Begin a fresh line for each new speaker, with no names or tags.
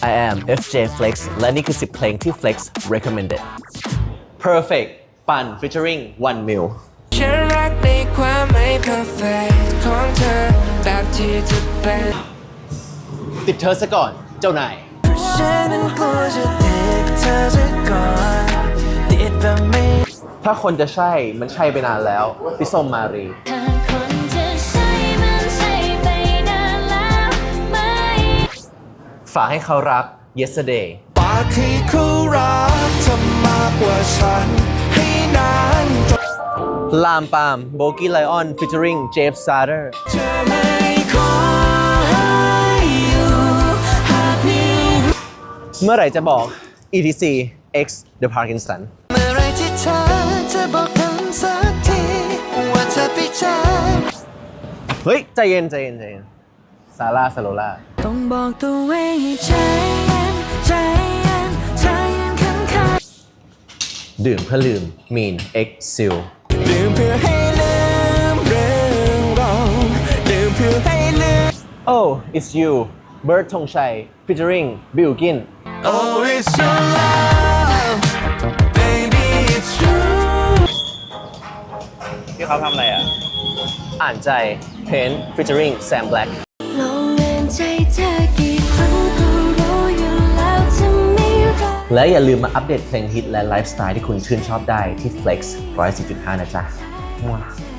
I am FJ Flex และนี่คือ 10 เพลงที่ Flex recommended Perfect ปั่น featuring 1 mil
ฉันรักในความไม่ perfect ของเธอแบบที่จะเป็น
ติดเธอซะก่อนเจ้านาย
ฉันนั้นกลัวจะติดเธอซะก่อนติดแบบไม่
ถ้าคนจะใช่มันใช่ไปนานแล้วพี่ส้มมารี
ถ้าคนจะใช่มันใช่ไปนานแล้วไหม
ฝากให้เขารัก yesterday
ปากที่เขารักเธอมากกว่าฉันให้นานจน
ลามปาม Bogi Lion featuring Jeff Sarter
จะไม่ขอให้อยู่หากมี
เมื่อไหร่จะบอก ETC X The Parkinson
เมื่อไรที่เธอจะบอกกันสักทีว่าเธอไปเจอ
เฮ้ย ใจเย็นใจเย็นใจเย็นซาร่าสโลล่า
ต้องบอกตัวเองให้ใจเย็นใจเย็นใจเย็นข้าง
ดื่มเพื่อลืม Mean X Seal
ๆดื่มเพื่อให้ลืมเรื่องเราดื่มเพื่อให้ลืม
Oh it's you Bird ธงชัย featuring Bilgin
Oh it's your love baby it's true
ที่เขาทำอะไรอ่ะ อ่านใจ Pain featuring Sam Black
ลองเงินใจเธอกี่ครั้งก็รู้อยู่แล้วจะไม่รัก
และอย่าลืมมาอัปเดตเพลงฮิตและไลฟ์สไตล์ที่คุณชื่นชอบได้ที่ Flex 110.5 นะจ๊ะ